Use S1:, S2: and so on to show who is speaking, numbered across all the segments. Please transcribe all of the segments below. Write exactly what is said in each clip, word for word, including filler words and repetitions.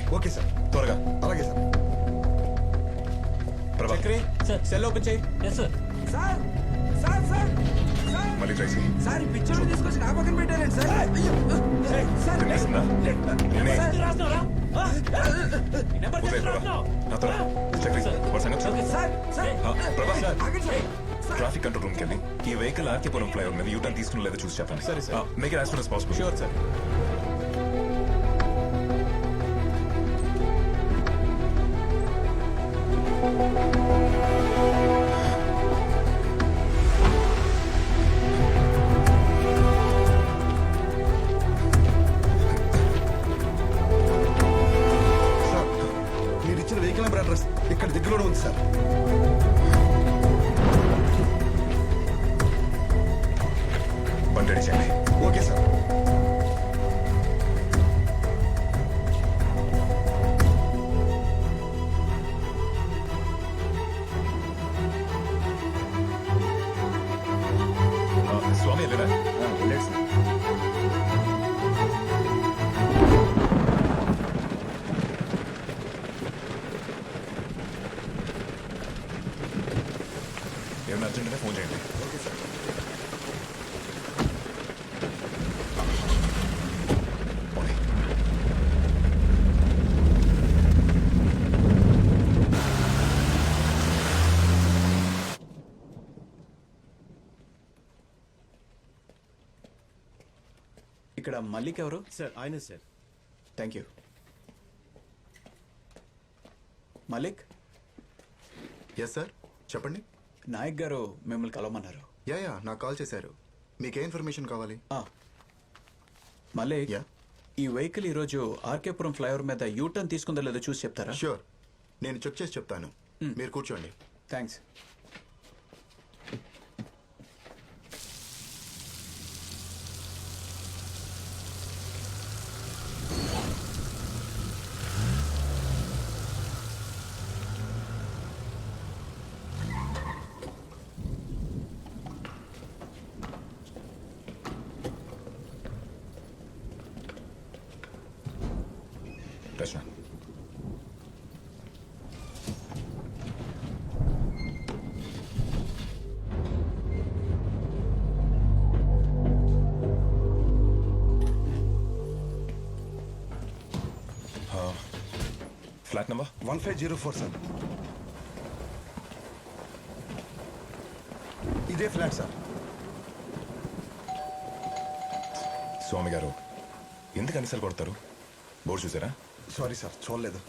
S1: Okay sir.
S2: త్వరగా.
S1: అలాగే sir.
S2: Prabha
S3: Chakri
S4: sir.
S3: Cell open చేయి.
S4: Yes sir.
S5: Sir sir sir sir
S2: మళ్ళీ ట్రై చేయి.
S5: సార్ ఈ పిక్చర్ తీసుకొచ్చి నా పక్కన పెట్టారండి సార్. అయ్యో సార్
S2: వినిపిస్తుందా? వినే.
S4: రాస్తున్నారా నెంబర్
S2: ఉదయ్ ప్రభా
S4: రాస్తున్నావు.
S2: నాతో రా. చక్రి వాడి సంగతి చూడు.
S5: సార్ సార్
S2: ఆ, ప్రభా
S5: ఆగండి సార్. సార్
S2: ట్రాఫిక్ కంట్రోల్ రూమ్కి వెళ్ళి ఈ వెహికల్ ఆర్కేపురం ఫ్లైఓవర్ మీద యూటర్న్ తీసుకుని లేదో చూసి చెప్పండి.
S3: సరే, సరే.
S2: Make it as soon as possible.
S3: Sure sir.
S1: Sir మీరు ఇచ్చిన వెహికల్ నెంబర్ అడ్రస్ ఇక్కడ దగ్గరలో ఉంది సార్.
S2: బండి రెడీ చేయండి.
S1: Okay sir.
S2: ఆ, స్వామి వెళ్ళరా?
S1: లేదు సార్.
S2: ఏమైనా అర్జెంట్ ఫోన్ చేయండి.
S1: Okay sir.
S2: పోనీ.
S3: ఇక్కడ మల్లిక్ ఎవరు?
S6: సార్ ఆయనే sir.
S3: Thank you. Malik,
S7: yes sir, చెప్పండి.
S3: నాయక్ గారు మిమ్మల్ని కలవమన్నారు.
S7: యా యా నాకు కాల్ చేశారు. మీకే ఇన్ఫర్మేషన్ కావాలి?
S3: ఆ, మలిక్,
S7: యా
S3: ఈ వెహికల్ ఈరోజు ఆర్కేపురం ఫ్లైఓవర్ మీద యూటర్న్ తీసుకుందో లేదో చూసి చెప్తారా?
S7: ష్యూర్, నేను చెక్ చేసి చెప్తాను. మీరు కూర్చోండి.
S3: Thanks.
S2: Rachana flat number
S1: one five zero four sir. ఇదే ఫ్లాట్ సార్.
S2: స్వామి గారు ఎందుకు అనిసలు కొడతారు? బోర్డు చూసారా?
S1: సారీ సార్, చూడలేదు.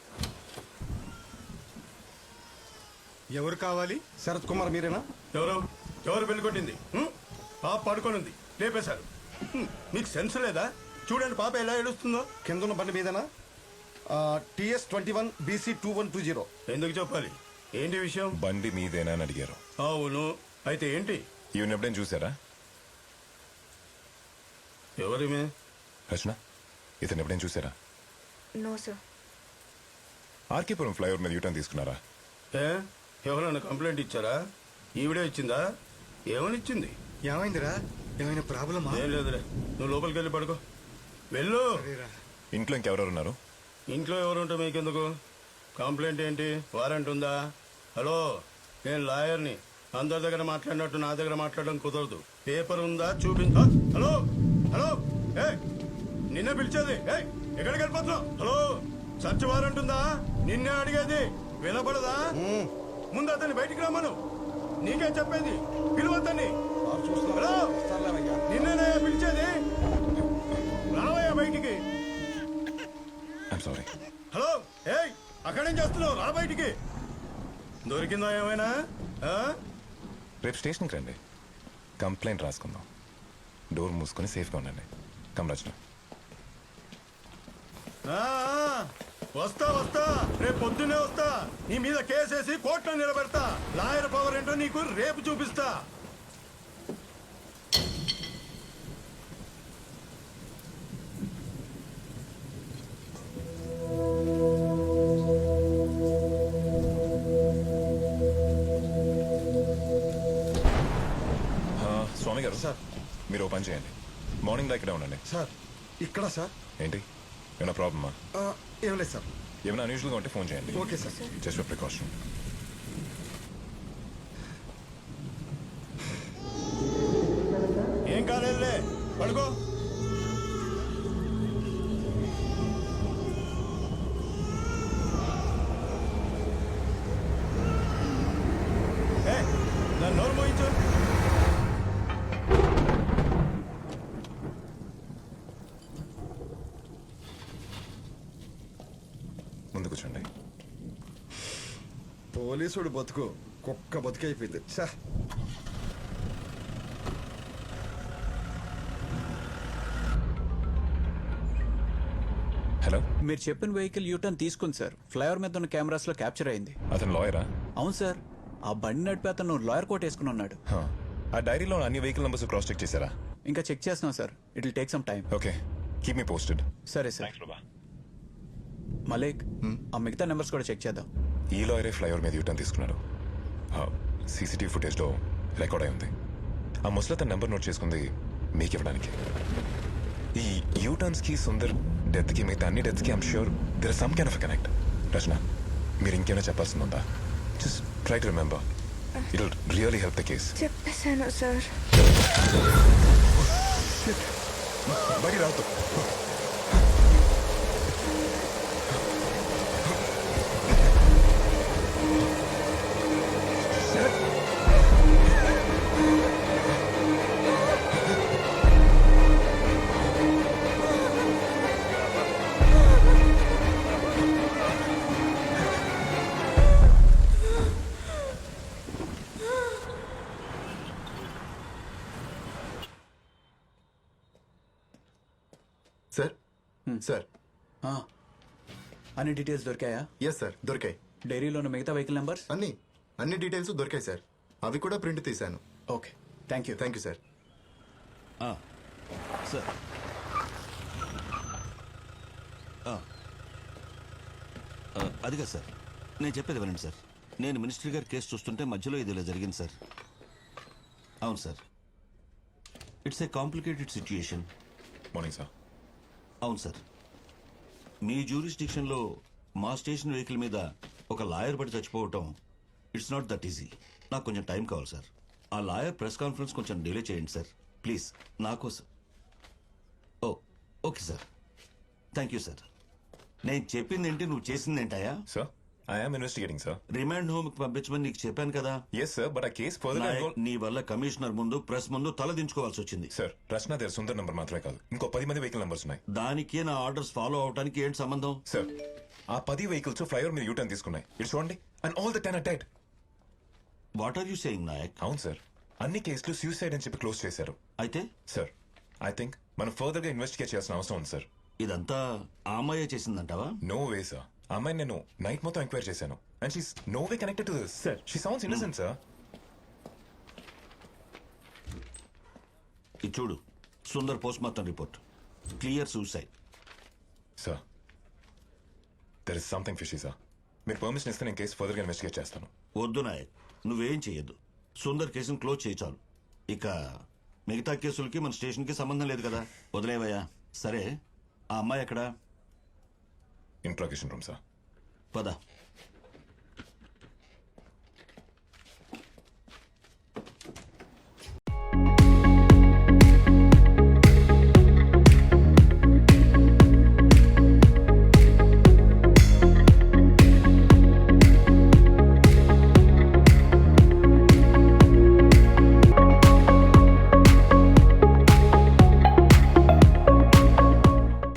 S6: ఎవరు కావాలి?
S1: శరత్ కుమార్ మీరేనా?
S6: ఎవరు ఎవరు పెళ్లి కొట్టింది? హ్మ్? పాప పడుకొని ఉంది, లేపేశారు. హ్మ్, మీకు సెన్స్ లేదా? చూడండి పాప ఎలా ఏడుస్తుందో.
S1: కింద ఉన్న బండి మీదేనా? TS twenty one BC two one two zero.
S6: ఎందుకు చెప్పాలి? ఏంటి విషయం?
S2: బండి మీదేనా అని అడిగారు.
S6: అవును, అయితే ఏంటి?
S2: ఈవెన్ ఎప్పుడైనా చూసారా?
S6: ఎవరిమే?
S2: రచన ఇతను ఎప్పుడైనా చూసారా?
S8: No sir.
S2: ఆర్కేపురం ఫ్లైఓవర్ మీద యూటర్న్ తీసుకున్నారా?
S6: ఏ ఎవరైనా కంప్లైంట్ ఇచ్చారా? ఈవిడే ఇచ్చిందా? ఏమని ఇచ్చింది?
S1: ఏమైందిరా? ఏమైనా ప్రాబ్లమా?
S6: ఏం లేదులే, నువ్వు లోపలికి వెళ్ళి పడుకో. వెళ్ళు.
S2: ఇంట్లో ఇంకెవరెవరు ఉన్నారు?
S6: ఇంట్లో ఎవరు ఉంటే మీకెందుకు? కంప్లైంట్ ఏంటి? వారెంట్ ఉందా? హలో, నేను లాయర్ని. అందరి దగ్గర మాట్లాడినట్టు నా దగ్గర మాట్లాడడం కుదరదు. పేపర్ ఉందా చూపించా. హలో హలో, ఏ నిన్నే పిలిచేది. ఏ ఎక్కడికి వెళ్ళిపోతున్నావు? హలో, సర్చ్ వారెంట్ ఉందా? నిన్నే అడిగేది, వినపడదా? ముందు అతన్ని బయటికి రమ్మను. నీకే చెప్పేది, పిలువద్దని. హలో, నిన్నేనే పిలిచేది. రావయ్యా బయటికి.
S2: I'm sorry.
S6: హలో, ఏయ్ అక్కడేం చేస్తున్నావు? రా బయటికి. దొరికిందా ఏమైనా? ఆ?
S2: రేపు స్టేషన్కి రండి, కంప్లైంట్ రాసుకుందాం. డోర్ మూసుకొని సేఫ్గా ఉండండి. కమ్ రచన.
S6: ఆ, ఆ, వస్తా వస్తా, రేపు పొద్దున్నే వస్తా. నీ మీద కేసేసి కోర్టులో నిలబెడతా. లాయర్ పవర్ ఏంటో నీకు రేపు చూపిస్తా.
S2: స్వామి గారు
S1: సార్.
S2: మీరు ఓ పని చేయండి, మార్నింగ్ దా ఇక్కడే ఉండండి.
S1: సార్ ఇక్కడ సార్.
S2: ఏంటి ఏమైనా ప్రాబ్లమా?
S1: ఆ, ఏం లేదు సార్.
S2: ఏమైనా అన్యూజువల్గా ఉంటే ఫోన్ చేయండి.
S1: Okay sir.
S2: Just for precaution.
S6: ఏం కాలేదులే, పడుకో. ఏ, దాన్ని నోరు మోయించు.
S2: ముందు కూర్చోండి.
S1: పోలీసుడు బతుకు కుక్క బతుకు అయిపోయింది. చా
S2: హలో,
S3: మీరు చెప్పిన వెహికల్ యూటర్న్ తీసుకుంది సార్. ఫ్లైఓవర్ మీద ఉన్న కెమెరాస్ లో క్యాప్చర్ అయింది.
S2: అతను లాయరా?
S3: అవును సార్. ఆ బండి నడిపి అతను లాయర్ కోట్ వేసుకుని ఉన్నాడు.
S2: ఆ డైరీలో అన్ని వెహికల్ నెంబర్స్ క్రాస్ చెక్ చేశారా?
S3: ఇంకా చెక్ చేస్తున్నాం sir. It will take some time.
S2: Okay, keep me posted.
S3: సరే సార్. మలేక్, ఆ మిగతా నెంబర్స్ కూడా చెక్ చేద్దాం.
S2: ఈ లాయరే ఫ్లైఓవర్ మీద యూటర్న్ తీసుకున్నాడు. సీసీటీవీ ఫుటేజ్లో రికార్డ్ అయి ఉంది. ఆ ముసలి తన నెంబర్ నోట్ చేసుకుంది మీకు ఇవ్వడానికి. ఈ యూటర్న్స్ కి సుందర్ డెత్ కి మిగతా అన్ని డెత్స్ కి I'm sure there some kind of connect. రచన, మీరు ఇంకేమైనా చెప్పాల్సింది ఉందా? Just try to remember. It will really help the case.
S8: చెప్పేశాను సార్.
S2: బయట రావద్దు.
S7: సార్ సార్
S3: ఆ, అన్ని డీటెయిల్స్ దొరికాయా?
S7: ఎస్ సార్, దొరికాయి.
S3: డైరీలో ఉన్న మిగతా వెహికల్ నెంబర్స్?
S7: అన్ని అన్ని డీటెయిల్స్ దొరికాయి సార్. అవి కూడా ప్రింట్ తీశాను.
S3: Okay, thank you.
S7: Thank you sir.
S9: Sir అదిగా సార్, నేను చెప్పేది వినండి సార్. నేను మినిస్టర్ గారి కేసు చూస్తుంటే మధ్యలో ఇది ఇలా జరిగింది సార్. అవును sir, it's a complicated situation.
S2: Morning sir.
S9: అవును సార్, మీ జ్యూరిస్డిక్షన్లో మా స్టేషన్ వెహికల్ మీద ఒక లాయర్ పడి చచ్చిపోవటం ఇట్స్ నాట్ దట్ ఈజీ. నాకు కొంచెం టైం కావాలి సార్. ఆ లాయర్ ప్రెస్ కాన్ఫరెన్స్ కొంచెం డిలే చేయండి సార్ ప్లీజ్, నా కోసం. Oh okay sir, thank you sir. నేను చెప్పింది ఏంటి, నువ్వు చేసింది ఏంటయా?
S2: Sir, I am investigating sir.
S9: Remand home కి పంపించమని నీకు చెప్పాను కదా.
S2: ఎస్ సార్, బట్ ఆ కేస్ ఫర్దర్
S9: నాయక్, నీ వల్ల కమిషనర్ ముందు ప్రెస్ ముందు తల దించుకోవాల్సి వచ్చింది.
S2: సార్, రచన దగ్గర సుందర్ నంబర్ మాత్రమే కాదు, ఇంకో పది మంది వెహికల్ నంబర్స్ ఉన్నాయి.
S9: దానికి నా ఆర్డర్స్ ఫాలో అవడానికి ఏంటి సంబంధం?
S2: సార్, ఆ పది వెహికల్స్ ఫ్లైఓవర్ మీద యూటర్న్ తీసుకున్నాయి. ఇటు చూడండి, and all the ten are dead.
S9: What are you saying Nayak?
S2: అవును సార్, అన్ని కేసులు సూసైడ్ అని చెప్పి క్లోజ్ చేశారు.
S9: అయితే
S2: సార్, ఐ థింక్ మనం ఫర్దర్ గా ఇన్వెస్టిగేట్ చేయాల్సిన అవసరం ఉంది సార్.
S9: ఇదంతా ఆ అమ్మాయే చేసిందంటావా?
S2: నో వే సార్, ఆ అమ్మాయిని నేను నైట్ మొత్తం ఎంక్వైరీ చేశాను and she's no way connected to this. Sir, she sounds innocent sir.
S9: ఇది చూడు, Sundar post mortem report, clear suicide.
S2: Sir, there is something fishy sir. మీరు పర్మిషన్ ఇస్తే నేను కేసు ఫర్దర్ గా ఇన్వెస్టిగేట్ చేస్తాను.
S9: వద్దు నాయక్, నువ్వేం చెయ్యొద్దు. సుందర్ కేసును క్లోజ్ చేయి చాలు. ఇక మిగతా కేసులకి మన స్టేషన్కి సంబంధం లేదు కదా, వదిలేవయ్యా. సరే, ఆ అమ్మాయి ఎక్కడా?
S2: Interrogation room sir.
S9: పద.